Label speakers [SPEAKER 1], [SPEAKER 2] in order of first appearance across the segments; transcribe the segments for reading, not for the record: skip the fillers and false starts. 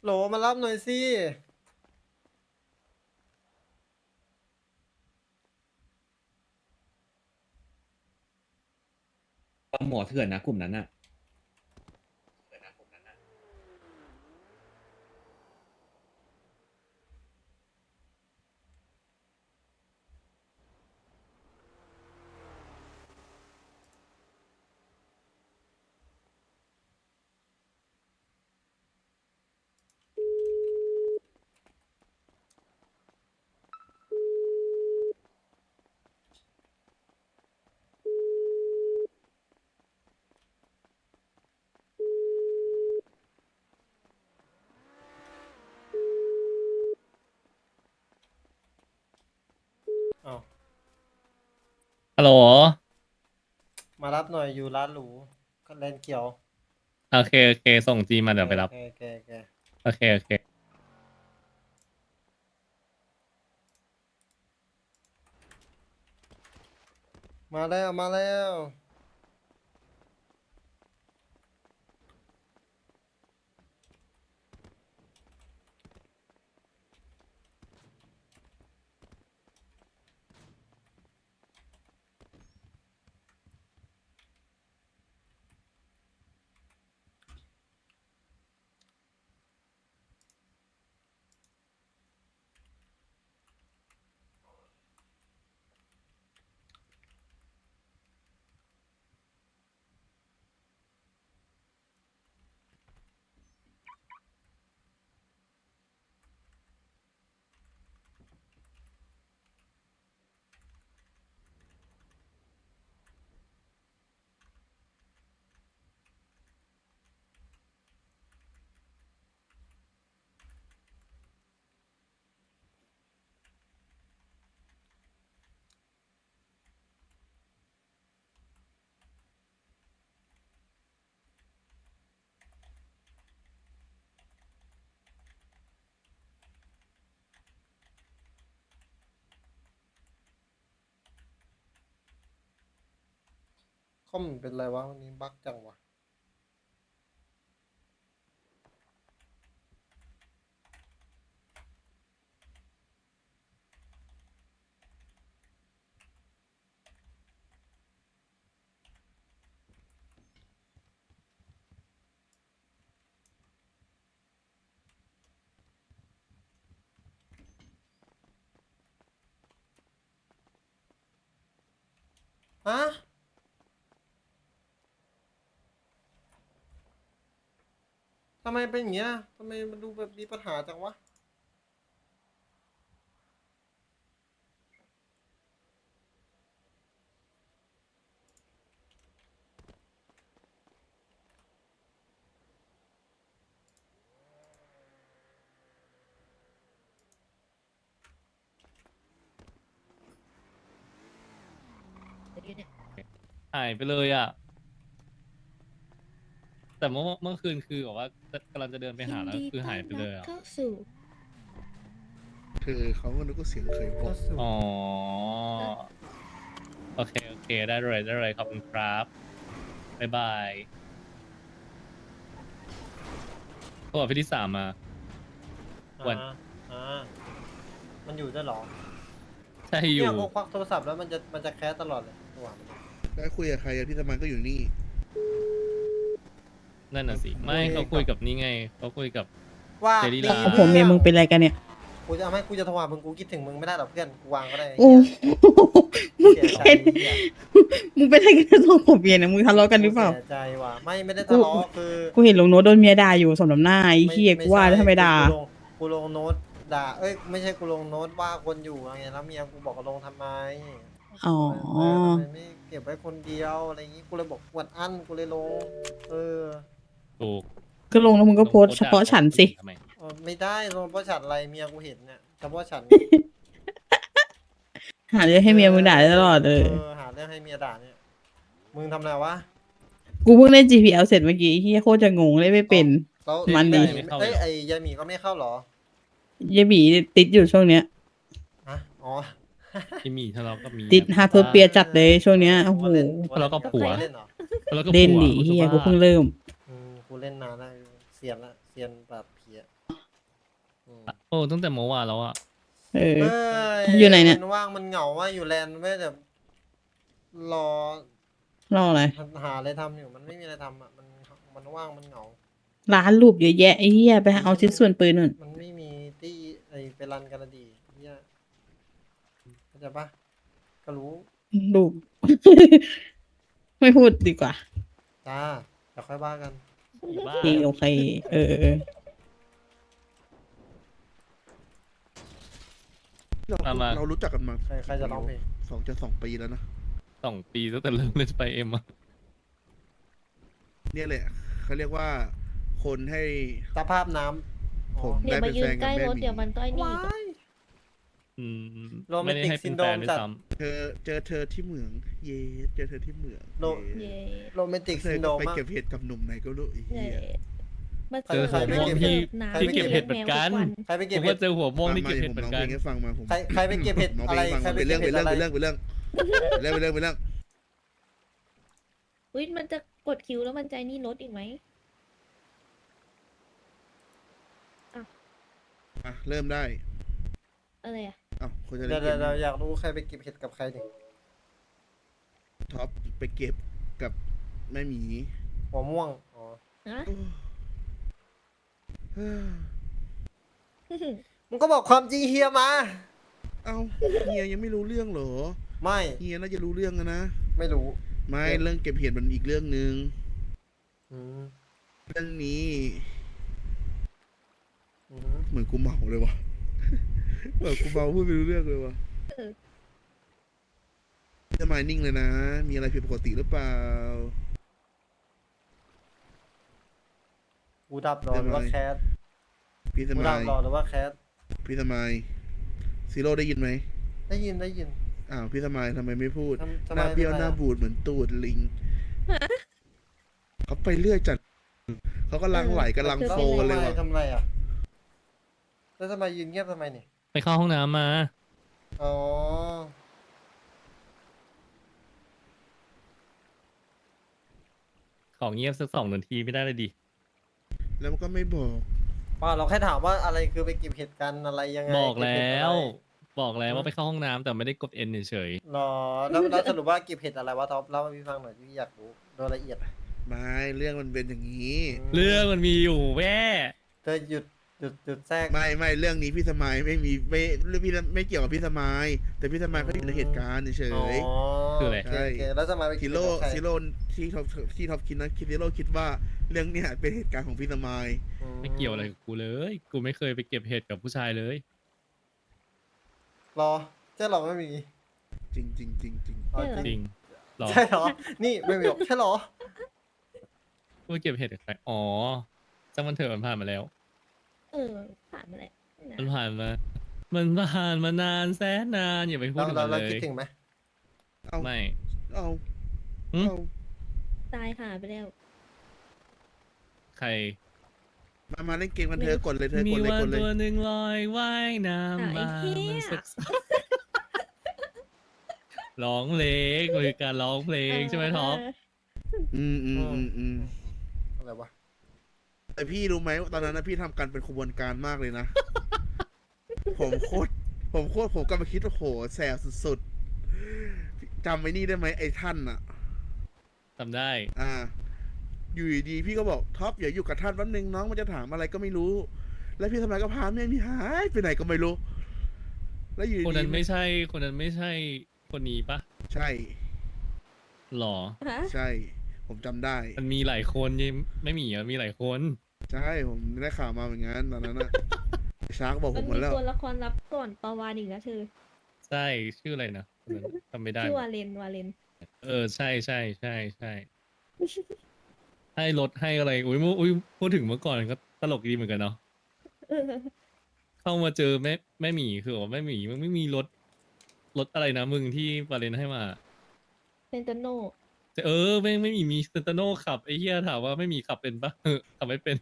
[SPEAKER 1] โหลมารับหน่อยสิ
[SPEAKER 2] หมอเถื่อนนะกลุ่มนั้นอ่ะ
[SPEAKER 1] อ้าว
[SPEAKER 3] ฮัลโหล
[SPEAKER 1] มารับหน่อยอยู่ร้านหรูก็แลนเขียว
[SPEAKER 3] โอเคโอเคส่งจีมาเดี๋ยวไปรับ
[SPEAKER 1] โอเค
[SPEAKER 3] โอเคโอเค
[SPEAKER 1] มาแล้วคอมเป็นไรวะวันนี้บั๊กจังวะฮะทำไมเป็นอย่างเงี้ยทำไมมันดูแบบมีปัญหาจังวะ
[SPEAKER 3] หายไปเลยอ่ะแต่เมื่อคืนคือบอกว่ากำลังจะเดินไป
[SPEAKER 4] ยิน
[SPEAKER 3] หาแล้ว
[SPEAKER 4] ดีต้อ
[SPEAKER 3] คือหาย
[SPEAKER 4] นรับ
[SPEAKER 3] ไปเลยอ่ะ
[SPEAKER 4] เข้าสู่
[SPEAKER 5] คือเขาก็นึกว่าเสียงเคยบ
[SPEAKER 1] ก็
[SPEAKER 5] อก
[SPEAKER 1] สุด
[SPEAKER 3] อ๋อโอเคโอเคได้เลยได้เลยขอบคุณครับบ๊ายบายโทรกับพี่ที่สามมาวัน
[SPEAKER 1] อ่ามันอยู่ด้วยเหรอ
[SPEAKER 3] ใช่อ
[SPEAKER 1] เนี่ย
[SPEAKER 3] ยู่
[SPEAKER 1] กูควักโทรศัพท์แล้วมันจะแคสตลอดเลยตัวมัน
[SPEAKER 5] ได้คุยกับใครอะพี่สมันก็อยู่นี่
[SPEAKER 3] นั่นน่ะสิ
[SPEAKER 5] ผม
[SPEAKER 3] ไม่
[SPEAKER 1] คุย
[SPEAKER 3] เขา
[SPEAKER 1] กับ
[SPEAKER 3] คุยกับนี่ไงเขาคุยกับ
[SPEAKER 1] ว่า
[SPEAKER 3] เจลี่
[SPEAKER 1] ดี
[SPEAKER 3] ลา
[SPEAKER 6] โอ้โหเมียมึงเป็นอะไรกันเนี่ย
[SPEAKER 1] กูจะเอาให้กูจะโทรหามึงกูคิดถึงมึงไม่ได้หรอกเพื่อนกูวางก็ได้ไอ้
[SPEAKER 6] โอ้
[SPEAKER 1] เหี้ย
[SPEAKER 6] มึง
[SPEAKER 1] เสียใจ
[SPEAKER 6] เป็น
[SPEAKER 1] เหี้ย
[SPEAKER 6] มึงเป็นอะไรกันสองผัวเมียเนี่ยมึงทะเลาะกันหรือเปล่า
[SPEAKER 1] เสียใจว่ะไม่ได้ทะเลาะคือ
[SPEAKER 6] กูเห็นลงโน้ตโดนเมียด่าอยู่สมน้ำหน้าไอ้เหี้ยกูว่าแล้วทำไมด่า
[SPEAKER 1] กูลงโน้ตด่าเอ้ยไม่ใช่กูลงโน้ตว่าคนอยู่ไงแล้วเมียกูบอกว่าลงทำไม
[SPEAKER 6] อ๋อ
[SPEAKER 1] ทำไมไม่เก็บไว้คนเดียวอะไรอย่างงี้กูเลยบอกปวดอั้นกูเลยลงเออ
[SPEAKER 3] ถูก
[SPEAKER 6] ก็ลงแล้วมึงก็โพสต์เฉพาะฉันสิ
[SPEAKER 3] ทำไม
[SPEAKER 1] ไม่ได้ลงเพราะฉันอะไรเมียกูเห็นเนี่ยเฉพาะฉัน
[SPEAKER 6] หาเรื่องให้เมียมึงด่าได้ตลอดเลย
[SPEAKER 1] หาเรื่องให้เมียด่าเนี่ยมึงทำอะไรวะ
[SPEAKER 6] กูเพิ่งเล่น GPL เสร็จเมื่อกี้ไอ้เหี้ยโคตรจะงงเลยไม่เป็น
[SPEAKER 1] แล้ว
[SPEAKER 6] มันดี
[SPEAKER 1] เอ้ยไอ้ยายหมีก็ไม่เข้าเหรอ
[SPEAKER 6] เยบีติดอยู่ช่วงเนี้ย
[SPEAKER 1] ฮะอ๋อ
[SPEAKER 3] ที่มีทะเลาะกับมี
[SPEAKER 6] ติดฮาร์เพอร์เปียจัดเลยช่วงเนี้ยโอ้โห
[SPEAKER 3] ทะเลาะกับผัว
[SPEAKER 1] เล่นเหรอ
[SPEAKER 3] แล้วก็
[SPEAKER 6] เล่น
[SPEAKER 3] ผัว
[SPEAKER 6] ดิ
[SPEAKER 3] กูจะ
[SPEAKER 6] เหี้ย
[SPEAKER 3] บ้า
[SPEAKER 6] กูเพิ่งเริ่ม
[SPEAKER 1] กูเล่นนานแล้วเซียนละเซียนแบบเพียอืม
[SPEAKER 3] โอ้ตั้งแต่เมื่อวานแล้วอะ
[SPEAKER 6] เออ
[SPEAKER 1] เอ้
[SPEAKER 6] อยู่ไหนเนี่ย
[SPEAKER 1] มันว่างมันเหงาว่าอยู่แลนด์ไม่แต่รอ
[SPEAKER 6] รออะไร
[SPEAKER 1] หาอะไรทำอยู่มันไม่มีอะไรทำอ่ะมันว่างมันเหงา
[SPEAKER 6] ร้านรูปเยอะแยะไอ้เหี้ยไปเอาชิ้นส่วนปืนนู่น
[SPEAKER 1] มันไม่มีที่ไอไปรันกันละดีเนี่ยเข้าใจปะก็รู้
[SPEAKER 6] รูป ไม่พูดดีกว่า
[SPEAKER 1] จ้าเดี๋ยวค่อยว่ากัน
[SPEAKER 3] อีบ้า
[SPEAKER 6] โอเคโอเค เออ
[SPEAKER 5] เรารู้จักกันมา
[SPEAKER 1] ใครจะร้องเพลง
[SPEAKER 5] 2 ปีแล้วนะ
[SPEAKER 3] 2 ปีตั้งแต่เริ่มเล่นไปเอ็มอะ
[SPEAKER 5] เนี่ยแหละเขาเรียกว่าคนให้
[SPEAKER 1] สภาพน้ำ
[SPEAKER 5] ผม
[SPEAKER 4] เดี๋ยว
[SPEAKER 5] ได้
[SPEAKER 4] มา
[SPEAKER 5] เป็น
[SPEAKER 4] ยื
[SPEAKER 5] แฟ
[SPEAKER 4] น
[SPEAKER 5] น
[SPEAKER 4] ใก
[SPEAKER 5] กับ
[SPEAKER 4] ล้
[SPEAKER 5] แม่
[SPEAKER 4] รถ
[SPEAKER 5] หมี
[SPEAKER 4] เดี๋ยวมันก็ไอ้นี่อีกอะ
[SPEAKER 3] อืม
[SPEAKER 1] โรแม
[SPEAKER 3] ไม่
[SPEAKER 1] น
[SPEAKER 3] ได้
[SPEAKER 1] ติก
[SPEAKER 3] ให้
[SPEAKER 1] ซิ
[SPEAKER 3] เป็น
[SPEAKER 1] นโด
[SPEAKER 3] แฟ
[SPEAKER 1] รม
[SPEAKER 3] นด้ว
[SPEAKER 1] จั
[SPEAKER 3] ย
[SPEAKER 1] ด
[SPEAKER 3] ซ้
[SPEAKER 5] เจอเธอที่เหมือง เย้เจอเธอที่เหมือง
[SPEAKER 1] โล
[SPEAKER 5] เย้
[SPEAKER 4] เย่
[SPEAKER 1] โรแมนติก
[SPEAKER 5] เธ
[SPEAKER 1] ซิ
[SPEAKER 5] อน
[SPEAKER 1] โด
[SPEAKER 5] ก็
[SPEAKER 1] รม
[SPEAKER 5] ไป
[SPEAKER 1] มาก
[SPEAKER 5] เก็บเห็ดกับหนุ่มไหนก็รู้ไอ้
[SPEAKER 4] เย่
[SPEAKER 5] เหี้ย
[SPEAKER 4] มา
[SPEAKER 1] ใคร
[SPEAKER 3] เจอหัวม่วง
[SPEAKER 1] ใครไปเก็บ
[SPEAKER 3] ที่
[SPEAKER 4] น้ำ
[SPEAKER 3] ที่เก็บเห็ดเหมือนกัน
[SPEAKER 1] ใครไป
[SPEAKER 3] ผ
[SPEAKER 1] เก็บ
[SPEAKER 3] ม
[SPEAKER 1] เห็
[SPEAKER 3] ก็
[SPEAKER 1] ด
[SPEAKER 3] เจอหัวม่วงที่
[SPEAKER 5] มา
[SPEAKER 3] เก็บ
[SPEAKER 5] เดี๋ยว
[SPEAKER 3] เห็ด
[SPEAKER 5] ผม
[SPEAKER 3] เหมื
[SPEAKER 5] ร้
[SPEAKER 3] อ
[SPEAKER 5] อง
[SPEAKER 3] น
[SPEAKER 5] เพ
[SPEAKER 3] กัน
[SPEAKER 5] ลงให้ฟังมาผม
[SPEAKER 1] ใครไปเก็บเห็ด
[SPEAKER 5] ร้อง
[SPEAKER 1] อะ
[SPEAKER 5] เพล
[SPEAKER 1] ไรง
[SPEAKER 5] ให้ฟัง
[SPEAKER 1] ใคร
[SPEAKER 5] มา
[SPEAKER 1] ไป
[SPEAKER 5] เป็น
[SPEAKER 1] เก็
[SPEAKER 5] เรื่
[SPEAKER 1] บ
[SPEAKER 5] อง
[SPEAKER 1] เห็ด
[SPEAKER 5] เป็น
[SPEAKER 1] อะไร
[SPEAKER 5] เรื่องเป็นเรื่องเป็นเรื่องเป็นเรื่องเป็นเรื่อง
[SPEAKER 4] อุ้ยมันจะกดคิวแล้วมันใจนี่รถอีกไหม
[SPEAKER 5] อ่ะเริ่มได้
[SPEAKER 4] อะไรอะ
[SPEAKER 5] อ้าวคนจะ
[SPEAKER 1] เดี๋
[SPEAKER 5] เล่
[SPEAKER 1] ยวน
[SPEAKER 5] เกม
[SPEAKER 1] อยากรู้ใครไปเก็บเห็ดกับใครดิ
[SPEAKER 5] ท็อปไปเก็บกับแม่หมี
[SPEAKER 1] หัวม่วงอ๋อ
[SPEAKER 4] ฮะ
[SPEAKER 5] เอ้อ
[SPEAKER 1] มึงก็บอกความจริงเฮียมา
[SPEAKER 5] เอ้าเฮียยังไม่รู้เรื่องเหรอ
[SPEAKER 1] ไม่
[SPEAKER 5] เฮียน่าจะรู้เรื่องอะนะ
[SPEAKER 1] ไม่รู้
[SPEAKER 5] ไม่เรื่องเก็บเห็ดมันอีกเรื่องหนึ่ง
[SPEAKER 1] อืม
[SPEAKER 5] เรื่องนี้
[SPEAKER 1] อืม
[SPEAKER 5] เหมือนกูเมาเลยวะ เหมือนกูเมาพูดไม่รู้เรื่องเลยวะทำไมนิ่งเลยนะ มีอะไรผิดปกติหรือเปล่า
[SPEAKER 1] กูดับรอหรือว่าแคส
[SPEAKER 5] พี่ส
[SPEAKER 1] กู
[SPEAKER 5] มั
[SPEAKER 1] ดับ
[SPEAKER 5] ย
[SPEAKER 1] รอหรือว่าแคส
[SPEAKER 5] พี่สมัยซีโร่ได้ยินไหม
[SPEAKER 1] ได้ยินได้ยิน
[SPEAKER 5] อ้าวพี่สมัยทำไมไม่พูด
[SPEAKER 1] ทำ
[SPEAKER 5] หน้าเบี้ยว
[SPEAKER 1] ทำไม
[SPEAKER 5] หน้า
[SPEAKER 1] อะ
[SPEAKER 5] บูดเหมือนตูดลิง เขาไปเรื่อยจัด เขากำลังไหลกำลังโฟกันเลยว่ะ
[SPEAKER 1] ทำไรอ่ะแล้วทำไมยืนเงียบทำไมนี่
[SPEAKER 3] ไปเข้าห้องน้ำมา
[SPEAKER 1] อ๋อ
[SPEAKER 3] ของเงียบสัก2 นาทีไม่ได้เลยดิ
[SPEAKER 5] แล้วมันก็ไม่บอก
[SPEAKER 1] ป่าเราแค่ถามว่าอะไรคือไปเก็บเห็ดกันอะไรยังไง
[SPEAKER 3] บอกแล้
[SPEAKER 1] เก็บเห็ดอะไร
[SPEAKER 3] ว บอกแล้วว่าไปเข้าห้องน้ำแต่ไม่ได้กดเอ็นเฉย
[SPEAKER 1] หรอแล้วสรุปว่าเก็บเห็ดอะไรวะท็อปเล่าให้พี่ฟังหน่อยพี่อยากรู้โดยละเอียดอะ
[SPEAKER 5] ไม่เรื่องมันเป็นอย่างนี้
[SPEAKER 3] ๆเรื่องมันมีอยู่แม่
[SPEAKER 1] เธอหยุดแทรก
[SPEAKER 5] ไม่เรื่องนี้พี่สมัยไม่มีเรื่องพี่ไม่เกี่ยวกับพี่สมัยแต่พี่สมัยเขาอยู่ในเหตุการณ์เฉ
[SPEAKER 1] อ๋อย
[SPEAKER 3] คืออะไร
[SPEAKER 1] โอเคโอเคแล้วทำไมไป
[SPEAKER 5] ๆ
[SPEAKER 1] เก็
[SPEAKER 5] ซิ
[SPEAKER 1] บ
[SPEAKER 5] โร่
[SPEAKER 1] กับใคร
[SPEAKER 5] ซิโร่ที่ท็อปคิดนะซิโร่คิดว่าเรื่องเนี้ยเป็นเหตุการณ์ของพี่สมัย
[SPEAKER 3] ไม่เกี่ยวอะไรกับกูเลย กูไม่เคยไปเก็บเห็ดกับผู้ชายเลย
[SPEAKER 1] รอใช่หรอไม่มี
[SPEAKER 5] จริงจริงจริงจริง
[SPEAKER 1] อ๋อ
[SPEAKER 3] จริงหรอ
[SPEAKER 1] ใช่หรอ นี่ไม่มีหรอกใช่หรอ
[SPEAKER 3] กูไปเก็บเห็ดกับใครอ๋อจังมันเถอะมันผ่านมาแล้ว
[SPEAKER 4] ผ่านมาแล้ว
[SPEAKER 3] มันผ่านมา มันผ่านมานานแสนนานอย่าไปพูด
[SPEAKER 1] เรา
[SPEAKER 3] ถึง
[SPEAKER 1] เรา
[SPEAKER 3] มัน
[SPEAKER 1] เรา
[SPEAKER 3] เล
[SPEAKER 1] คิด
[SPEAKER 3] ย
[SPEAKER 1] ถึงไหม
[SPEAKER 5] เอา
[SPEAKER 3] ไม่
[SPEAKER 5] เอา
[SPEAKER 3] หึ
[SPEAKER 5] เอา
[SPEAKER 4] ตายหาไปแล้ว
[SPEAKER 3] ใคร
[SPEAKER 5] มาเล่นเกมกันเธอกดเลยเธอ
[SPEAKER 3] มี
[SPEAKER 5] กดเลย
[SPEAKER 3] วัน
[SPEAKER 5] กดเลย
[SPEAKER 3] ตัวหนึ่งลอยว่ายน้ำมา
[SPEAKER 4] ไอ้เหี้ย
[SPEAKER 3] มันสักร้องเพลงมันคือการร้องเพลงใช่ไหมท็อป
[SPEAKER 1] อะไรวะ
[SPEAKER 5] แต่พี่รู้ไหมว่าตอนนั้นนะพี่ทำกันเป็นขบวนการมากเลยนะ ผมกำลังคิดว่าโหแสบสุดๆจำไว้นี่ได้ไหมไอ้ท่านอะ
[SPEAKER 3] จำได้
[SPEAKER 5] อยู่ดีๆพี่ก็บอกท็อปอย่าอยู่กับท่านแป๊บนึงน้องมันจะถามอะไรก็ไม่รู้ แล้วพี่ทำไมก็พาแม่มีหายไปไหนก็ไม่รู้ แล้วอยู่
[SPEAKER 3] คน
[SPEAKER 5] ดี
[SPEAKER 3] นั้นไม่ใช่คนนั้นไม่ใช่คนนี้ปะ
[SPEAKER 5] ใช่
[SPEAKER 3] หรอ
[SPEAKER 4] ฮะ
[SPEAKER 5] ใช่ ผมจำได้
[SPEAKER 3] มันมีหลายคนยังไม่มีอ่ะมีหลายคน
[SPEAKER 5] ใช่ผมได้ข่าวมาเหมือนกันตอนนั้นอะ ชาร์กบอกผ
[SPEAKER 4] มัน
[SPEAKER 5] มหม
[SPEAKER 4] มี
[SPEAKER 5] ดแล้ว
[SPEAKER 4] ตัวละครลับก่อนปาวานอีกนะเธอ
[SPEAKER 3] ใช่ชื่ออะไรนะคนนั้นจำไม่ได้
[SPEAKER 4] ชื่อวาเลน
[SPEAKER 3] ใช่ใช่ใช่ใช่ให้รถให้อะไรอุ้ยพูดถึงเมื่อก่อนก็ตลกดีเหมือนกันเนาะ
[SPEAKER 4] เออ
[SPEAKER 3] เข้ามาเจอแม่หมีคือว่าแม่หมีมันไม่มีรถอะไรนะมึงที่วาเลนให้มา
[SPEAKER 4] เซนโตโน
[SPEAKER 3] ไม่มีเซนตโนขับไอ้เหี้ยถามว่าไม่มีขับเป็นปะขับไม่เป็น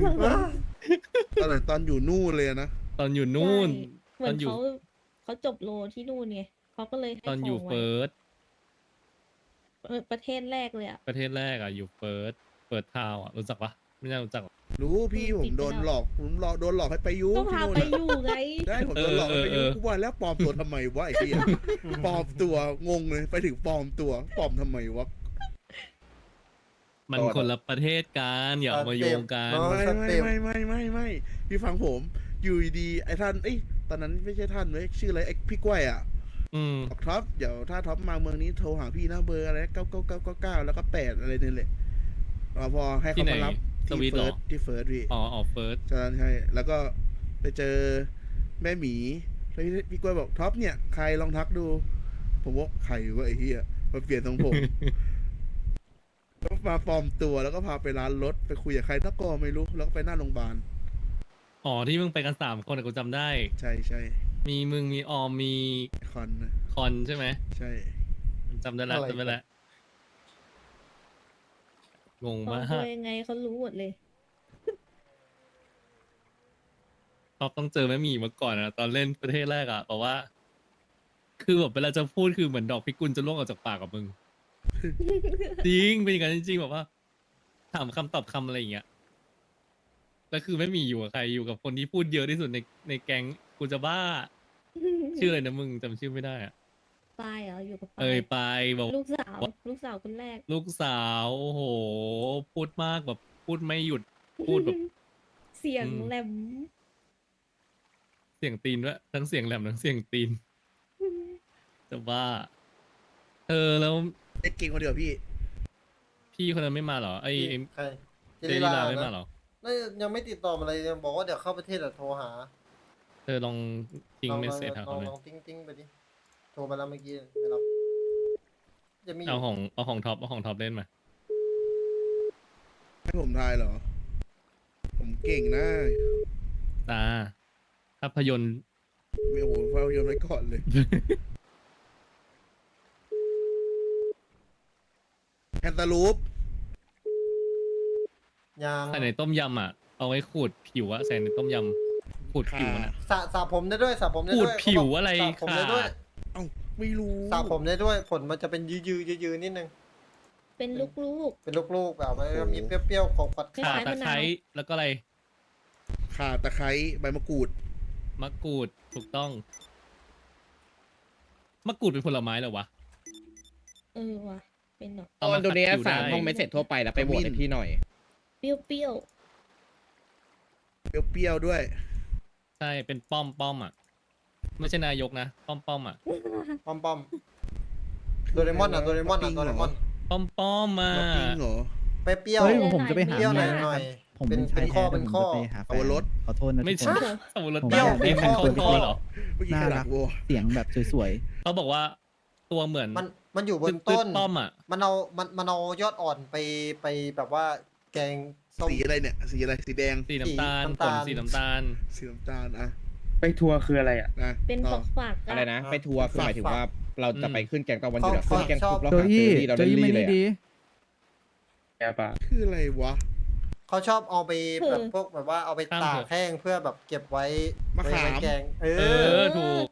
[SPEAKER 5] ตอนอยู่นู่นเลยอะนะ
[SPEAKER 3] ตอนอยู่นู่น
[SPEAKER 4] ใช่เหมือน
[SPEAKER 3] ตอนอยู่
[SPEAKER 4] เขาจบโลที่นู่นไงเขาก็เลยให้
[SPEAKER 3] ตอนอยู่
[SPEAKER 4] ขงไว้
[SPEAKER 3] เฟิร์ส
[SPEAKER 4] ประเทศแรกเลยอ่ะ
[SPEAKER 3] ประเทศแรกอ่ะอยู่เฟิร์สทาวอ่ะรู้จักปะไม่น่ารู้จักหรอก
[SPEAKER 5] รู้พี่ผมโดนหลอกโดนหลอกให้ไปยุ
[SPEAKER 4] ก็พาไปอยู่ไง
[SPEAKER 5] ได้ผมโดนหลอกให้ไปยุกูว่าแล้วปลอมตัวทำไมวะไอ้เหี้ยปลอมตัวงงเลยไปถึงปลอมตัวปลอมทำไมวะ
[SPEAKER 3] มันคนละประเทศกันอย่าเอามาโยงกัน
[SPEAKER 5] ไม่พี่ฟังผมอยู่ดีๆไอ้ท่านตอนนั้นไม่ใช่ท่านเว้ยชื่ออะไรไอ้พี่กล้วยอ่ะ บอกท็อปเดี๋ยวถ้าท็อปมาเมืองนี้โทรหาพี่นะเบอร์อะไร99999แล้วก็8อะไรนี่แหละพอให้เขามารับ
[SPEAKER 3] สวีทเหรอ
[SPEAKER 5] ที่เฟิร์สพี่
[SPEAKER 3] อ๋อเฟิร์ส
[SPEAKER 5] ใช่แล้วก็ไปเจอแม่หมีแล้วพี่กล้วยบอกท็อปเนี่ยใครลองทักดู ผมว่าใครวะไอ้เหี้ยมาเปลี่ยนทรงผม แล้วมาปลอมตัวแล้วก็พาไปร้านรถไปคุยกับใครนักก็ไม่รู้แล้วก็ไปหน้าโรงพยาบาล
[SPEAKER 3] อ๋อที่มึงไปกัน3 คนอะกูจำได้
[SPEAKER 5] ใช่
[SPEAKER 3] มีมึงมีออมมี
[SPEAKER 5] คอนนะ
[SPEAKER 3] คอนใช่ไหม
[SPEAKER 5] ใช่
[SPEAKER 3] จำได้แล้ว
[SPEAKER 1] อะไร
[SPEAKER 3] จำได้แล้วงง
[SPEAKER 4] ปลอ
[SPEAKER 3] มาม
[SPEAKER 4] ตัว
[SPEAKER 3] ก
[SPEAKER 4] ยังไงเขารู้หมดเลย
[SPEAKER 3] ท็อปต้องเจอแม่หมีมาก่อนนะตอนเล่นประเทศแรกอะเพราะว่า คือแบบเวลาจะพูดคือเหมือนดอกพิกุลจะล่วงออกจากปากกับมึง จริงเป็นอย่างนั้นจริงๆแบบว่า ถามคำตอบคำอะไรอย่างเงี้ยแล้วคือไม่มีอยู่กับใครอยู่กับคนที่พูดเยอะที่สุดในแก๊งกูจะบ้า ชื่ออะไรนะมึงจำชื่อไม่ได้อะ
[SPEAKER 4] ปายเหรออยู่กับปา
[SPEAKER 3] เอ่ย
[SPEAKER 4] ย
[SPEAKER 3] ไปบอก
[SPEAKER 4] ลูกสาวคนแรก
[SPEAKER 3] ลูกสาวโอ้โห พูดมากแบบพูดไม่หยุดพูดแบบ
[SPEAKER 4] เสียง
[SPEAKER 3] อืม
[SPEAKER 4] แหลม
[SPEAKER 3] เสียงตีนด้วยทั้งเสียงแหลมทั้งเสียงตีนจะบ้าแล้ว
[SPEAKER 5] เล่นเก่งคนเดียวพี่
[SPEAKER 3] พี่คนนั้นไม่มาเหรอไอ้
[SPEAKER 1] ใคร
[SPEAKER 3] เจริลาไม่มาเหรอ
[SPEAKER 1] น่ายังไม่ติดต่อมาเลยยังบอกว่าเดี๋ยวเข้าประเทศอะโทรหา
[SPEAKER 3] เธอลองทิ้งเมสเซจหา
[SPEAKER 1] ล
[SPEAKER 3] เขา
[SPEAKER 1] อง
[SPEAKER 3] เลย
[SPEAKER 1] ลองติ้งไปดิโทรมาแล้วเมื่อกี้ไม่รับจะมีอ
[SPEAKER 3] เอา
[SPEAKER 1] ยู่
[SPEAKER 3] ของท็อปเล่นมา
[SPEAKER 5] ให้ผมทายเหรอ ผมเก่งนะ
[SPEAKER 3] ตาภาพยนตร์
[SPEAKER 5] ไม่โอ้โหเฝ้าโยนไว้ก่อนเลย แอนตาลูป
[SPEAKER 1] ยัง
[SPEAKER 3] ใส่ในต้มยำอ่ะเอาไว้ขูดผิวอะใส่ในต้มยำขูดผิวมันอะ
[SPEAKER 1] สระผมได้ด้วยสระผมได้
[SPEAKER 3] ขู
[SPEAKER 1] ด้
[SPEAKER 3] ด
[SPEAKER 1] วย
[SPEAKER 3] ผิวอะไร
[SPEAKER 1] สระผมได้ด้วย
[SPEAKER 3] ค่ะ
[SPEAKER 5] เอ้าไม่รู้
[SPEAKER 1] สระผมได้ด้วยผลมันจะเป็นยืนนิดนึง
[SPEAKER 4] เป็นลูก
[SPEAKER 1] เป็นลูกๆแบบมันมีเปรี้ยวๆของกัด
[SPEAKER 4] คล้
[SPEAKER 3] ข่าย
[SPEAKER 4] ๆ
[SPEAKER 3] ตะ
[SPEAKER 4] มะนาว
[SPEAKER 3] ไคร้แล้วก็อะไร
[SPEAKER 5] ข่าตะไคร้ใบมะกรูด
[SPEAKER 3] มะกรูดถูกต้องมะกรูดเป็นผลไม้เหรอวะ
[SPEAKER 4] ๆว่ะเป็นเนาะ
[SPEAKER 3] เอา
[SPEAKER 7] ต
[SPEAKER 3] มา
[SPEAKER 7] อนตัวเนี้ย
[SPEAKER 3] ขัดผิว
[SPEAKER 7] สาม
[SPEAKER 3] ได้
[SPEAKER 7] ห้องไม่เสร็จทั่วไปแล้วไปโหวตให้พี่หน่อย
[SPEAKER 4] เปรี้ยว
[SPEAKER 5] เปรี้ยวๆด้วย
[SPEAKER 3] ใช่เป็นป้อมอ่ะ ไม่ใช่นายกนะป้อมอ่ะ
[SPEAKER 1] ปอมโดเรมอนโดเรมอน
[SPEAKER 5] มาปิ้ง
[SPEAKER 1] โดเร
[SPEAKER 5] เหรอ
[SPEAKER 1] มอน
[SPEAKER 3] ป้อมมา
[SPEAKER 5] มาปิ้งเหรอ
[SPEAKER 1] เปรี้ยว
[SPEAKER 6] เฮ้ยผมจะไปหา
[SPEAKER 1] เปรี้ยวห
[SPEAKER 6] เมี
[SPEAKER 1] น่อย
[SPEAKER 6] ย
[SPEAKER 1] หน่อย
[SPEAKER 6] ผม
[SPEAKER 1] เป็น
[SPEAKER 6] ชาย
[SPEAKER 1] ข้อ
[SPEAKER 6] แท้
[SPEAKER 1] เป็นข้อ
[SPEAKER 6] ผมจะไปหาแฟ
[SPEAKER 5] เอา
[SPEAKER 6] น
[SPEAKER 5] รถ
[SPEAKER 6] ขอโทษนะ
[SPEAKER 3] ไม่
[SPEAKER 6] ทุกค
[SPEAKER 3] ใช่
[SPEAKER 6] น
[SPEAKER 3] สมุน
[SPEAKER 6] ผม
[SPEAKER 3] เปรี้ยว
[SPEAKER 6] อยากได้
[SPEAKER 3] เป็น
[SPEAKER 6] แฟน
[SPEAKER 3] ข้อ
[SPEAKER 6] คน
[SPEAKER 3] ข้อเหรอ
[SPEAKER 5] เมื่อกี้
[SPEAKER 6] น่า
[SPEAKER 5] ข
[SPEAKER 6] รั
[SPEAKER 5] นาด
[SPEAKER 6] ก
[SPEAKER 5] วัว
[SPEAKER 6] เสียงแบบสวย
[SPEAKER 3] เขาบอกว่าตัวเหมือน
[SPEAKER 1] มันอยู่บน
[SPEAKER 3] ตึ๊
[SPEAKER 1] ต้
[SPEAKER 3] ด
[SPEAKER 1] น
[SPEAKER 3] ๆป้อมอ่ะ
[SPEAKER 1] มันเอายอดอ่อนไปแบบว่าแกงส้ม
[SPEAKER 5] สีอะไรเนี่ยสีอะไรสีแดง
[SPEAKER 3] สีน้ำตาล
[SPEAKER 1] สี
[SPEAKER 3] ผ
[SPEAKER 1] น้ำตา
[SPEAKER 3] ล
[SPEAKER 1] ล
[SPEAKER 3] สีน้ำตาล
[SPEAKER 5] สีน้ำตาลอะ
[SPEAKER 8] ไปทัวร์คืออะไรอ่ะ
[SPEAKER 5] นะ
[SPEAKER 4] ๆเป็น
[SPEAKER 5] ต่อ
[SPEAKER 4] ฝักๆ
[SPEAKER 7] อะไรนะ ไปทัวร์คือหมายถึงว่าเราจะไปขึ้นแกงตะวันหยุดอะ
[SPEAKER 1] เขา
[SPEAKER 7] ขึ้นแกงปุ๊บ
[SPEAKER 1] ชอบ
[SPEAKER 7] เรา
[SPEAKER 6] ๆโจ
[SPEAKER 7] หาเจ
[SPEAKER 6] อี้
[SPEAKER 7] อรี่เรา
[SPEAKER 6] โจ
[SPEAKER 7] ได้
[SPEAKER 6] อี้
[SPEAKER 7] รี่
[SPEAKER 6] ไม่
[SPEAKER 7] เล
[SPEAKER 6] ได้
[SPEAKER 7] ย
[SPEAKER 6] ดี
[SPEAKER 7] อะ
[SPEAKER 8] แกปะ
[SPEAKER 5] คืออะไรวะ
[SPEAKER 1] เขาชอบเอาไปแบบพวกแบบว่าเอาไป
[SPEAKER 3] ข้าม
[SPEAKER 1] ตา
[SPEAKER 3] เถ
[SPEAKER 1] ก
[SPEAKER 3] อะ
[SPEAKER 1] แห้งเพื่อแบบเก็บไว้
[SPEAKER 5] มะขาม
[SPEAKER 1] ไว้แกง
[SPEAKER 3] เออถูก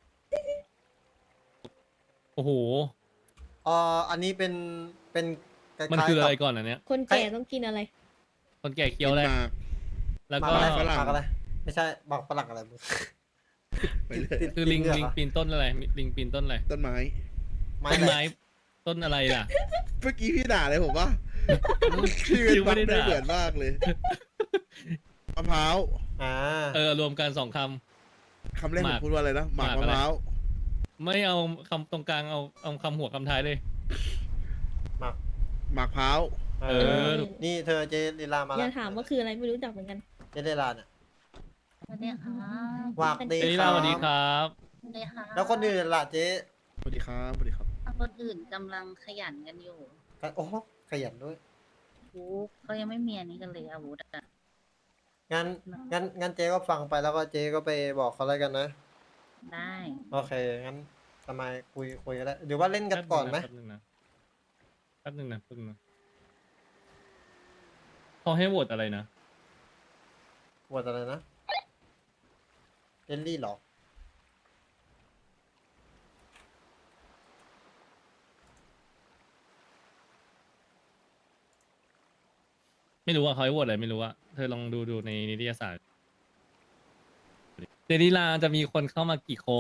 [SPEAKER 3] โอ้โห
[SPEAKER 1] อันนี้เป็นคล้ายๆ
[SPEAKER 3] มันคืออะไร
[SPEAKER 1] กับ
[SPEAKER 3] ก่อนอันเนี้ย
[SPEAKER 4] คนแก่ต้องกินอะไร
[SPEAKER 3] คนแก่เคี้ยวอะไร
[SPEAKER 5] หมาก
[SPEAKER 3] แล้ว
[SPEAKER 1] หมาก
[SPEAKER 3] ก็
[SPEAKER 1] อะไร
[SPEAKER 5] ฝรั่ง
[SPEAKER 1] หมากอะไร ไม่ใช่หมากฝรั่งอะไรมึง
[SPEAKER 5] ไปเลย
[SPEAKER 1] ติด
[SPEAKER 3] คือลิง
[SPEAKER 1] เหร
[SPEAKER 3] ลิงปีนต้นอะไรลิงปีนต้นอะไร
[SPEAKER 5] ต้นไม้
[SPEAKER 1] ไม้
[SPEAKER 3] ต้น
[SPEAKER 1] อะไร
[SPEAKER 3] ไม้ต้นอะไรล่ะ
[SPEAKER 5] เมื่อกี้พี่ด่าเลยผมว่าชื่อ
[SPEAKER 3] คิวไม่
[SPEAKER 5] มัน
[SPEAKER 3] ได้
[SPEAKER 5] ไม่
[SPEAKER 3] ด่า
[SPEAKER 5] เหมือนมากเลยมะพร้าว
[SPEAKER 1] อ่า
[SPEAKER 3] รวมกัน2 ค
[SPEAKER 5] คำแรก
[SPEAKER 3] ห
[SPEAKER 5] ผม
[SPEAKER 3] าก
[SPEAKER 5] พูดว่าอะไรนะหมาก
[SPEAKER 3] หมาก
[SPEAKER 5] มะ
[SPEAKER 3] อะไร
[SPEAKER 5] พร้าว
[SPEAKER 3] ำไม่เอาคำตรงกลางเอาคำหัวคำท้ายเลย
[SPEAKER 1] หมาก
[SPEAKER 5] หมากพร้าว
[SPEAKER 3] เออ
[SPEAKER 1] นี่เธอเจลีลามา
[SPEAKER 4] อ
[SPEAKER 1] แล้
[SPEAKER 4] ย่าว ถามว่าคืออะไรไม่รู้จักเหมือนกัน
[SPEAKER 1] เจลีลาเนี่ย
[SPEAKER 9] สวัสดีค่ะ
[SPEAKER 1] วากดี
[SPEAKER 3] เจลิลาสวัสดีครับ
[SPEAKER 9] สวัสดีค่ะ
[SPEAKER 1] แล้วคนอื่นล่ะเจ๊
[SPEAKER 5] สวัสดีครับสวัสดีครับ
[SPEAKER 9] คนอื่นกำลังขยันกันอยู่
[SPEAKER 1] โอ้โหขยันด้วย
[SPEAKER 9] วูเขายังไม่มีอันนี้กันเลยอาวุธอะ
[SPEAKER 1] งั้นเจ๊ก็ฟังไปแล้วก็เจ๊ก็ไปบอกเขาแล้วกันนะ
[SPEAKER 9] ได้
[SPEAKER 1] โอเค งั้นทำไมคุยกันได้หรือว่าเล่นกันก่อนไหม
[SPEAKER 3] แป๊บนึงนะเขาให้โหวตอะไรนะ
[SPEAKER 1] ปวดอะไรนะเจลลี่เหรอ
[SPEAKER 3] ไม่รู้ว่าเขาให้โหวตอะไรไม่รู้อะเธอลองดูในนิตยสารเจนิลาจะมีคนเข้ามากี่คน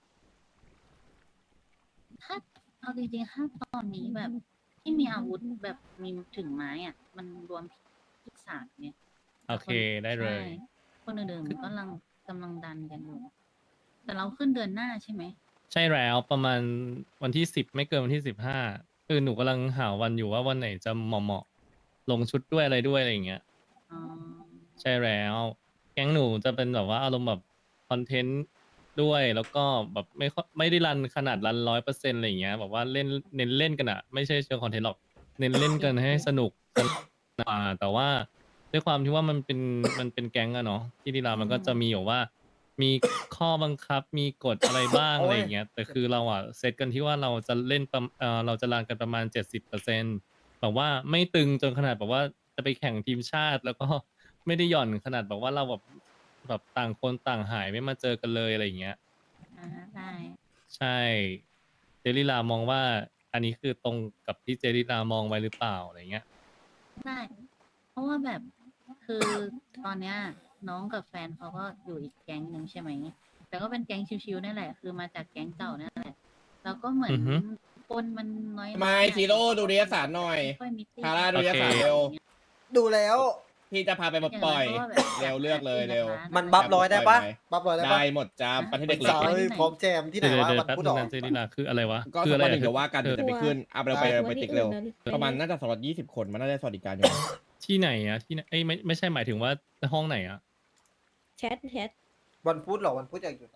[SPEAKER 9] ถ้าเอาจริงๆถ้าตอนนี้แบบที่มีอาวุธแบบมีถึงไม้อ่ะ มันรวมที่สามเนี่ย
[SPEAKER 3] โอเคได้เลย
[SPEAKER 9] ใช่คนอื่นๆกำลังดันกันอยู่ แต่เราขึ้นเดือนหน้าใช่ไหม
[SPEAKER 3] ใช่แล้วประมาณวันที่10ไม่เกินวันที่15คือหนูกำลังหาวันอยู่ว่าวันไหนจะเหมาะลงชุดด้วยอะไรด้วยอะไรอย่างเงี้ย
[SPEAKER 9] อ๋อ
[SPEAKER 3] ใช่แล้ว แก๊งหนูจะเป็นแบบว่าอารมณ์แบบคอนเทนต์ด้วยแล้วก็แบบไม่ได้รันขนาดรัน100%อะไรอย่างเงี้ยแบบว่าเล่นเน้นเล่นกันอะไม่ใช่เชิงคอนเทนต์หรอกเน้นเล่นกันให้สนุกแต่ว่าด้วยความที่ว่ามันเป็นแก๊งอะเนาะที่ดีลามันก็จะมีแบบว่า มีข้อบังคับมีกฎอะไรบ้าง
[SPEAKER 1] โอ้ย
[SPEAKER 3] อะไรอย่างเงี้ยแต่คือเราอะเซตกันที่ว่าเราจะเล่นเราจะรันกันประมาณ70%แบบว่าไม่ตึงจนขนาดแบบว่าจะไปแข่งทีมชาติ แล้วก็ไม่ได้หย่อนขนาดแบบว่าเราแบบต่างคนต่างหายไม่มาเจอกันเลยอะไรอย่างเงี้ย
[SPEAKER 9] ได้
[SPEAKER 3] ใช่เจริลามองว่าอันนี้คือตรงกับที่เจริลามองไว้หรือเปล่าอะไรเงี้ย
[SPEAKER 9] ได้ เพราะว่าแบบคือตอนเนี้ยน้องกับแฟนเขาก็อยู่อีกแก๊งหนึ่งใช่ไหม แต่ก็เป็นแก๊งชิวๆนั่นแหละ คือมาจากแก๊งเก่านั่นแหละ แล้วก็เหมือน
[SPEAKER 3] อือฮึ
[SPEAKER 9] คนมันน้อยๆ
[SPEAKER 7] ไม่ซีโร่ดูนิตยสารหน่อย
[SPEAKER 9] ไม่ค่อยมีตี้
[SPEAKER 7] ทาร่าดูนิตยสาร
[SPEAKER 3] โอเค
[SPEAKER 7] เร็ว
[SPEAKER 1] ดูแล้ว
[SPEAKER 7] พี่จะพาไปปล่อย
[SPEAKER 9] างน้ก็แบบ
[SPEAKER 7] เร็วเลือกเลยเร็ว
[SPEAKER 1] มันบัฟร้อยได้ปะ
[SPEAKER 7] ไหม
[SPEAKER 1] บัฟร้อยได้ปะ
[SPEAKER 7] ได้หมดจ้าประเทศเด็ก
[SPEAKER 1] สาว
[SPEAKER 7] เล็ก
[SPEAKER 1] เอ้ยพร้อมแจมที่ไหนวะ
[SPEAKER 3] เดี๋ยว
[SPEAKER 1] วัน
[SPEAKER 3] แป๊บ
[SPEAKER 1] พุธ
[SPEAKER 3] นึ
[SPEAKER 1] หรง อ
[SPEAKER 3] นะเจริลาคืออะไรวะ
[SPEAKER 7] ก็
[SPEAKER 3] คือ
[SPEAKER 7] สั
[SPEAKER 3] อะ
[SPEAKER 7] ก
[SPEAKER 3] ไร
[SPEAKER 7] วันห
[SPEAKER 3] อะ
[SPEAKER 7] นึ่งเดี๋ยวว่ากันเดี๋ยวจะไปขึ้นเอาเราไป
[SPEAKER 1] ได้
[SPEAKER 7] ไปติ๊กเร็ว ประมาณน่าจะ220 คนมันน่าจะสวัสดิการอยู่
[SPEAKER 3] ที่ไหนอะที่ไหนเอ้ยไม่ใช่หมายถึงว่าห้องไหนอะ
[SPEAKER 4] แชท
[SPEAKER 1] วันพุธเหรอวันพุธอยากหยุด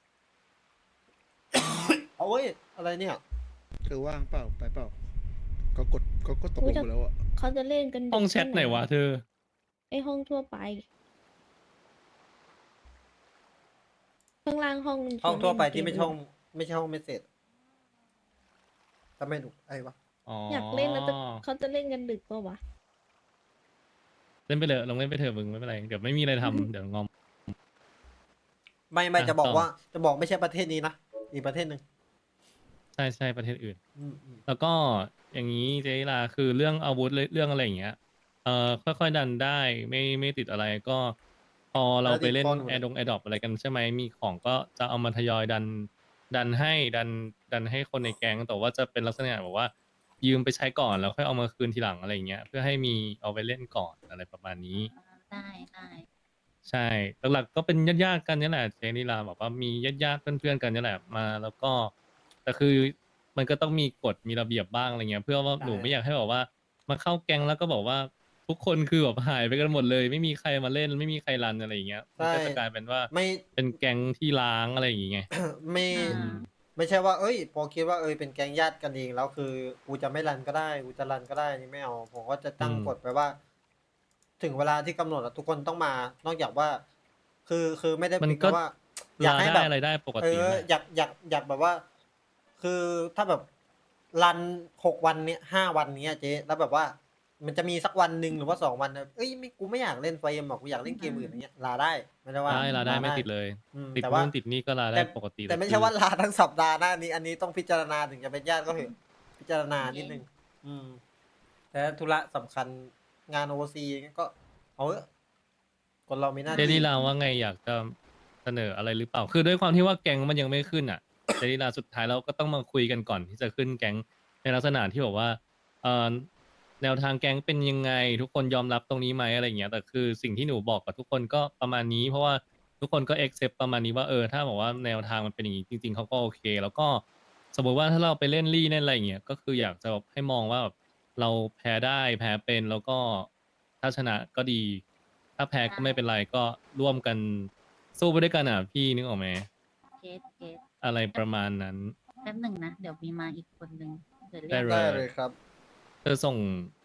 [SPEAKER 1] เอาเว้ยอะไรเนี่ย
[SPEAKER 5] เธอว่างเปล่าไปเปล่าก็ตกลงไปแล้วอะ
[SPEAKER 4] เขาจะเล่นกันดึก
[SPEAKER 3] ห้องแชทไหนวะเธอ
[SPEAKER 4] ไอห้องทั่วไป ข้างล่างห้องมัน
[SPEAKER 1] ห้องทั่วไป
[SPEAKER 4] เล่นเก
[SPEAKER 1] ที่ไม่ใช่ห้องไม่ใช่ห้องเมสเซจทำไมถูกไอ้วะ
[SPEAKER 3] อ๋อ
[SPEAKER 4] อยากเล่นแล้วแต่เขาจะเล่นกันดึกปะวะ
[SPEAKER 3] เล่นไปเลยลองเล่นไปเถอะมึงไม่เป็นไรเดี๋ยวไม่มีอะไรทำเดี๋ยวงอม
[SPEAKER 1] ไม่
[SPEAKER 3] อ่ะ
[SPEAKER 1] จะบอก
[SPEAKER 3] ต่อ
[SPEAKER 1] ว่าจะบอกไม่ใช่ประเทศนี้นะอีกประเทศหนึ่ง
[SPEAKER 3] ใช่ประเทศอื่น
[SPEAKER 1] อืม
[SPEAKER 3] แล้วก็อย่างนี้เจริลาคือเรื่องอาวุธเรื่องอะไรอย่างเงี้ยค่อยๆดันได้ไม่ติดอะไรก็พอเราไปเล่นแอร์ดรอปอะไรกันใช่ไหมมีของก็จะเอามาทยอยดันให้ดันให้คนในแก๊งแต่ว่าจะเป็นลักษณะแบบว่า ยืมไปใช้ก่อนแล้วค่อยเอามาคืนทีหลังอะไรอย่างเงี้ยเพื่อให้มีเอาไปเล่นก่อนอะไรประมาณนี้
[SPEAKER 9] ได้ได้
[SPEAKER 3] ใช่หลักๆก็เป็นญาติๆกันนี่แหละเจนิลาบอกว่ามีญาติๆเพื่อนๆกันนี่แหละมา แล้วก็แต่คือมันก็ต้องมีกฎมีระเบียบบ้างอะไรเงี้ย เพื่อว่าหนูไม่อยากให้แบบว่า มาเข้าแก๊งแล้วก็บอกว่าทุกคนคือแบบหายไปกันหมดเลย ไม่มีใครมาเล่นไม่มีใครรันอะไรอย่างเงี้ยมันก็จะกลายเป็นว่า
[SPEAKER 1] ไม่
[SPEAKER 3] เป็นแก๊งที่ล้างอะไรอย่างเงี้ย
[SPEAKER 1] ไม่
[SPEAKER 9] อ่า
[SPEAKER 1] ไม่ใช่ว่า เอ้ย พอคิดว่าเป็นแก๊งญาติกันเองแล้วคือกูจะไม่รันก็ได้กูจะรันก็ได้นี่ไม่เอาผมก็จะตั้ง
[SPEAKER 3] อืม
[SPEAKER 1] กฎไปว่า ถึงเวลาที่กำหนดอะทุกคนต้องมา นอกจากว่า คือไม่ได้
[SPEAKER 3] มัน
[SPEAKER 1] ปิด
[SPEAKER 3] ก็
[SPEAKER 1] นะว่า อยาก
[SPEAKER 3] ลา
[SPEAKER 1] ให้
[SPEAKER 3] ได้
[SPEAKER 1] แบบ
[SPEAKER 3] อะไรได้ปก
[SPEAKER 1] เอ
[SPEAKER 3] ติ
[SPEAKER 1] อ
[SPEAKER 3] แหละ
[SPEAKER 1] อยากแบบว่า คือถ้าแบบรัน6 วันเนี้ย5 วันเนี้ยเจ๊แล้วแบบว่า มันจะมีสักวันหนึ่งหรือว่า2 วันนะเอ้ยกูไม่อยากเล่นไฟเอ็มหรอกกูอยากเล่นเกมอื่นอย่างเงี้ยลาได้ไม่ได้ว่า
[SPEAKER 3] ได้ลาได้ไม่ติดเลย ติด
[SPEAKER 1] แต่ว่า
[SPEAKER 3] นู่นติดนี่ก็ลาได้ปกติ
[SPEAKER 1] แต่ไม่ใช่ว่าลาทั้งสัปดาห์นะอันนี้ต้องพิจารณาถึงจะเป็นญาติก็เถอะพิจารณานิดนึงแต่ถ้าธุระสำคัญงานโอซีก็เอาเถอะคนเรามีหน้า
[SPEAKER 3] เจ
[SPEAKER 1] ที่
[SPEAKER 3] นิลาว่าไงอยากจะเสนออะไรหรือเปล่า คือด้วยความที่ว่าแก๊งมันยังไม่ขึ้นอ่ะ เจนิลาสุดท้ายเราก็ต้องมาคุยกันก่อนที่จะขึ้นแก๊งในลักษณะที่บอกว่าเอ่อแนวทางแก๊งเป็นยังไง ทุกคนยอมรับตรงนี้ไหมอะไรอย่างเงี้ยแต่คือสิ่งที่หนูบอกกับทุกคนก็ประมาณนี้ เพราะว่าทุกคนก็ accept ประมาณนี้ว่าถ้าบอกว่าแนวทางมันเป็นอย่างนี้จริง ๆเขาก็โอเค แล้วก็สมมติว่าถ้าเราไปเล่นลี่เล่นอะไรอย่างเงี้ยก็คืออยากจะแบบให้มองว่าแบบเราแพ้ได้แพ้เป็นแล้วก็ถ้าชนะก็ดี ถ้าแพ้ก็ไม่เป็นไรก็ร่วมกันสู้ไปด้วยกันอ่ะพี่นึกออกไหม
[SPEAKER 9] เกต
[SPEAKER 3] อะไรประมาณนั้น
[SPEAKER 9] แป๊บหนึ่งนะ เดี๋ยวมีมาอีกคนหนึ่งเดี๋ยวเรี
[SPEAKER 3] ได้
[SPEAKER 9] ยก
[SPEAKER 3] เลย
[SPEAKER 1] ได้เลยครับ
[SPEAKER 3] เธอส่ง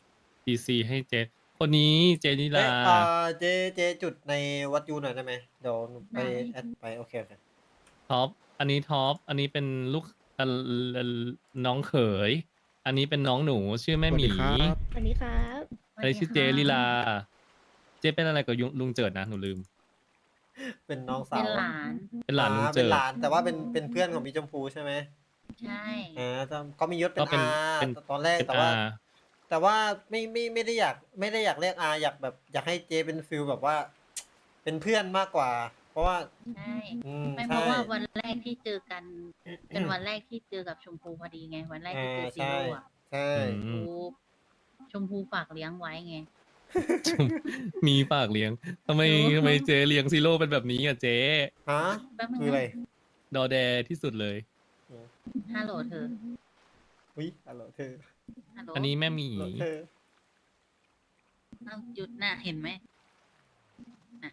[SPEAKER 3] PC ให้เจคนนี้เจนิ
[SPEAKER 1] เอ้ย
[SPEAKER 3] ลา
[SPEAKER 1] เจจุดในวัดยูหน่อยได้ไหมเดี๋ยวหนูไปแอดไปโอเค
[SPEAKER 3] ท็อปอันนี้ท็อปอันนี้เป็นลูกน้องเขย อันนี้เป็นน้องหนูชื่อแม่หมี
[SPEAKER 5] สวัสดีครับ
[SPEAKER 4] สวัสดีครับ
[SPEAKER 3] อันนี้ชื่อเจลิลา เจเป็นอะไรกับลุงเจิดนะหนูลืม
[SPEAKER 1] เป็นน้องสา
[SPEAKER 9] เป็น
[SPEAKER 1] ว
[SPEAKER 9] หลาน
[SPEAKER 3] เป็นหลานลุง
[SPEAKER 1] เป็
[SPEAKER 3] เจิ
[SPEAKER 1] น
[SPEAKER 3] ด
[SPEAKER 1] หลานแต่ว่าเป็นเพื่อนของพี่ชมพูใช่ไหม
[SPEAKER 9] ใช่
[SPEAKER 1] เขามียศเป็น
[SPEAKER 3] ก็เป็น
[SPEAKER 1] อา
[SPEAKER 3] เป็น
[SPEAKER 1] ตอนแรก
[SPEAKER 3] เป็น
[SPEAKER 1] แต่ว่า
[SPEAKER 3] อา
[SPEAKER 1] แต่ว่าไม่ได้อยากเรียกอาอยากแบบอยากให้เจเป็นฟิลแบบว่า เป็นเพื่อนมากกว่า เพราะว่า
[SPEAKER 9] ใช่ ไม่เพ
[SPEAKER 1] ใช่
[SPEAKER 9] ราะว่าวันแรกที่เจอกัน เป็นวันแรกที่เจอกับชมพูพอดีไง วันแรกที่เจอซี
[SPEAKER 1] ใช่
[SPEAKER 9] โร่อะ
[SPEAKER 1] ใช่
[SPEAKER 3] อืม
[SPEAKER 9] ชมพูฝากเลี้ยงไว้ไง
[SPEAKER 3] มีฝากเลี้ยงทำไม
[SPEAKER 9] โอ้
[SPEAKER 3] ทำไมเจเลี้ยงซีโร่เป็นแบบนี้อ่ะเจ
[SPEAKER 1] ฮะ
[SPEAKER 9] แป๊บนึง
[SPEAKER 1] คืออะไร
[SPEAKER 9] นะ
[SPEAKER 3] ดอแดที่สุดเลย
[SPEAKER 9] ฮัลโหลเธอ
[SPEAKER 1] อุ้ยฮัลโหลเธอ
[SPEAKER 9] ฮัลโหล
[SPEAKER 3] อันนี้แม่หมี
[SPEAKER 1] ฮัลโหลเธอ
[SPEAKER 9] เอาหยุดน่ะเห็นไหมน่ะ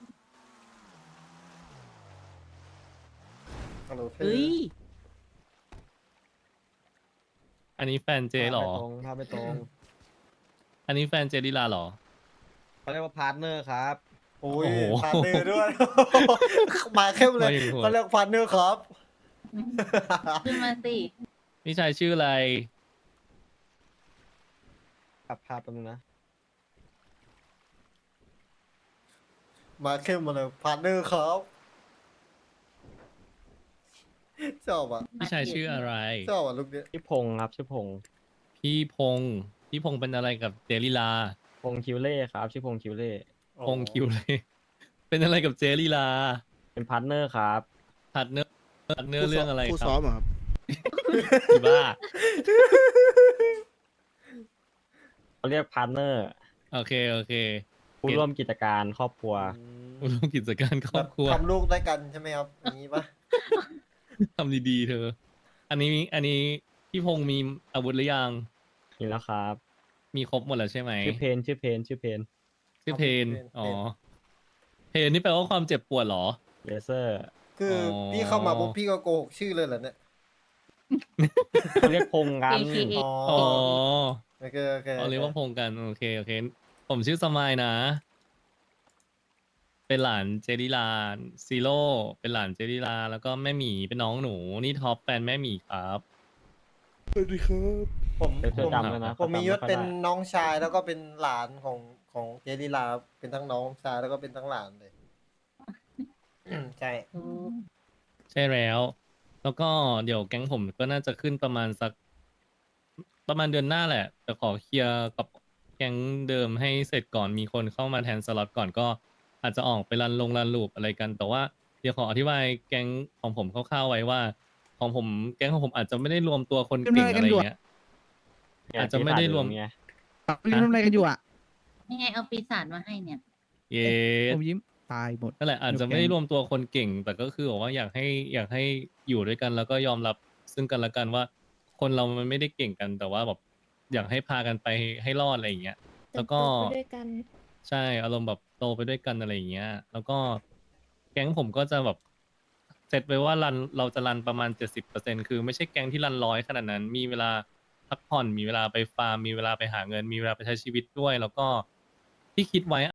[SPEAKER 1] ฮัลโหลเธอ
[SPEAKER 6] เฮ้ย
[SPEAKER 3] อันนี้แฟนเจเหรอ
[SPEAKER 10] ภาพไม่ตรง
[SPEAKER 3] อันนี้แฟนเจลิลาเหรอ
[SPEAKER 10] เขาเรียกว่าพาร์ทเนอร์ครับ
[SPEAKER 1] โอ้ย
[SPEAKER 3] โอ้โห
[SPEAKER 1] พาร์ทเนอร์ด้วย มาเข้มเลย
[SPEAKER 3] มาอย่างโหด
[SPEAKER 1] เขาเรียกพาร์ทเนอร์ครับ
[SPEAKER 9] ขึ้นมาสิ
[SPEAKER 3] พี่ชายชื่ออะไร
[SPEAKER 10] ปรับภาพแป๊บนึงนะ
[SPEAKER 1] มาเข้มมาเลยพาร์ทเนอร์ครับชอบอ่ะ
[SPEAKER 3] พี่ชายชื่ออะไร
[SPEAKER 1] ชอบอ่ะลูกเนี้ย
[SPEAKER 10] ชื่อพงษ์ครับ ชื่อพงษ์
[SPEAKER 3] พี่พงษ์พี่พงษ์เป็นอะไรกับเจลิลา
[SPEAKER 10] พงษ์คิวเล่ครับ ชื่อพงษ์คิวเล่
[SPEAKER 3] พงษ์คิวเลย เป็นอะไรกับเจลิลา
[SPEAKER 10] เป็นพาร์ทเนอร์ครับ
[SPEAKER 3] พาร์ทเนอร์เรื่องอะไร
[SPEAKER 5] คู่
[SPEAKER 3] ครั
[SPEAKER 5] ซ้อบ มเหรอครับ
[SPEAKER 3] อีบ้า
[SPEAKER 10] เขาเรียกพาร์ทเนอร์
[SPEAKER 3] โอเค โอเค
[SPEAKER 10] ผู้ร่วมกิจการครอบครัว
[SPEAKER 3] ผู้ร่วมกิจการครอบครัว
[SPEAKER 1] ทำลูกด้วยกันใช่ไหมครับอย่างนี้ปะ
[SPEAKER 3] ทำดีๆเธอ อันนี้พี่พงษ์มีอาวุธหรือยัง
[SPEAKER 10] นี่แล้วครับ
[SPEAKER 3] มีครบหมดแล้วใช่ไหม
[SPEAKER 10] ชื่อเพน ชื่อเพน ชื่อเพน
[SPEAKER 3] ชื่อเพนอ๋อ เพนนี่แปลว่าความเจ็บปวดเหรอ
[SPEAKER 10] เลเซอร์
[SPEAKER 1] คืออ
[SPEAKER 3] อ
[SPEAKER 1] พี่เข้ามาปุ๊บพี่ก็โกหกชื่อเลยเหรอเนี่ย
[SPEAKER 10] เขาเรียกพงษ์กัน
[SPEAKER 9] AKA
[SPEAKER 1] อ๋อ
[SPEAKER 3] อ๋อ
[SPEAKER 1] โอเคโอเค
[SPEAKER 3] เอาเรียกว่าพงษ์กัน โอเค โอเค ผมชื่อสมายนะ เป็นหลานเจริลาซีโร่เป็นหลานเจริลา แล้วก็แม่หมีเป็นน้องหนู นี่ท็อปแฟนแม่หมีครับ
[SPEAKER 5] สวัสดีครับ
[SPEAKER 1] ผม
[SPEAKER 10] เดี๋ยวเธอจำเลยนะ
[SPEAKER 1] ผมมียศ
[SPEAKER 10] ขาจำไค่อ
[SPEAKER 1] เป็น
[SPEAKER 10] ได้
[SPEAKER 1] น้องชายแล้วก็เป็นหลานของเจลีลาเป็นทั้งน้องชายแล้วก็เป็นทั้งหลานเลย ใช่
[SPEAKER 9] ถูก
[SPEAKER 3] ใช่แล้ว แล้วก็เดี๋ยวแก๊งผมก็น่าจะขึ้นประมาณเดือนหน้าแหละ แต่ขอเคลียร์กับแก๊งเดิมให้เสร็จก่อนมีคนเข้ามาแทนสล็อตก่อนก็อาจจะออกไปรันลูปอะไรกัน แต่ว่าเดี๋ยวขออธิบายแก๊งของผมคร่าวๆไว้ว่า ของผมแก๊งของผมอาจจะไม่ได้รวมตัวคนเก่งอะไรอย่างเงี้ย อาจจะไม่ได้รวม
[SPEAKER 10] ไง
[SPEAKER 6] นี่ทำอะไรกันอยู่อ่ะ
[SPEAKER 9] นี่ไงเอาปีศาจมาให้เนี่ย
[SPEAKER 3] เย้
[SPEAKER 6] ผมยิ้มตายหมด
[SPEAKER 3] นั่นแหละอาจจะไม่ได้รวมตัวคนเก่ง แต่ก็คือบอกว่าอยากให้อยู่ด้วยกัน แล้วก็ยอมรับซึ่งกันและกันว่า คนเรามันไม่ได้เก่งกัน แต่ว่าแบบอยากให้พากันไปให้รอดอะไรอย่างเงี้ย แล้วก็
[SPEAKER 4] เติบโตไปด้วยกัน
[SPEAKER 3] ใช่อารมณ์แบบโตไปด้วยกันอะไรอย่างเงี้ย แล้วก็แก๊งผมก็จะแบบเซตไว้ว่าเราจะรันประมาณ 70%คือไม่ใช่แก๊งที่รัน100ขนาดนั้น มีเวลาพักผ่อน มีเวลาไปฟาร์ม มีเวลาไปหาเงิน มีเวลาไปใช้ชีวิตด้วย แล้วก็ที่คิดไว้